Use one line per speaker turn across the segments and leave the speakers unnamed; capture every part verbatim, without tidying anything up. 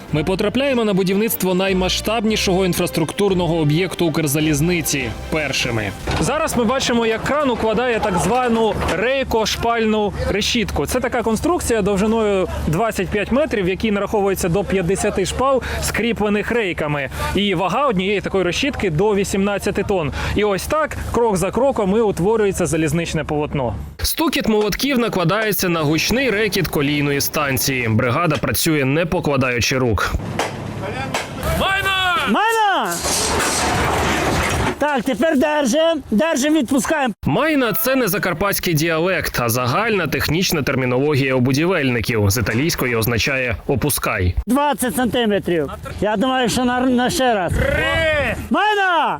Ми потрапляємо на будівництво наймасштабнішого інфраструктурного об'єкту Укрзалізниці першими. Зараз ми бачимо, як кран укладає так звану рейко-шпальну решітку. Це така конструкція довжиною двадцять п'ять метрів, в якій нараховується до п'ятдесят шпал, скріплених рейками. І вага однієї такої решітки до вісімнадцяти тонн. І ось так, крок за кроком, і утворюється залізничне полотно. Стукіт молотків накладається на гучний рекіт колійної станції. Бригада працює не покладаючи рук. Майна!
Майна! Так, тепер держим, держим, відпускаємо.
Майна – це не закарпатський діалект, а загальна технічна термінологія у будівельників. З італійської означає «опускай».
двадцять сантиметрів. Я думаю, що на, на ще раз. Майна!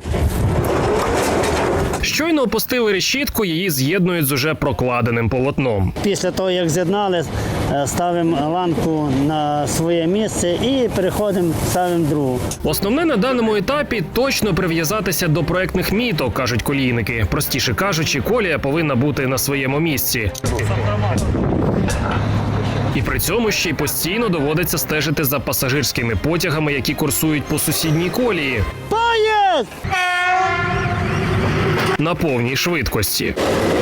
Щойно опустили решітку, її з'єднують з уже прокладеним полотном.
Після того, як з'єднали, ставимо ланку на своє місце і переходимо, ставимо другу.
Основне на даному етапі – точно прив'язатися до проектних міток, кажуть колійники. Простіше кажучи, колія повинна бути на своєму місці. І при цьому ще й постійно доводиться стежити за пасажирськими потягами, які курсують по сусідній колії.
Поїзд!
На повній швидкості.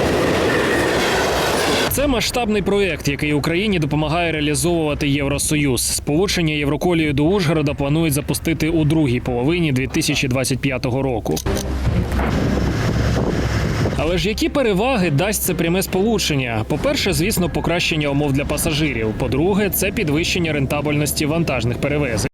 Це масштабний проєкт, який Україні допомагає реалізовувати Євросоюз. Сполучення Євроколією до Ужгорода планують запустити у другій половині дві тисячі двадцять п'ятого року. Але ж які переваги дасть це пряме сполучення? По-перше, звісно, покращення умов для пасажирів. По-друге, це підвищення рентабельності вантажних перевезень.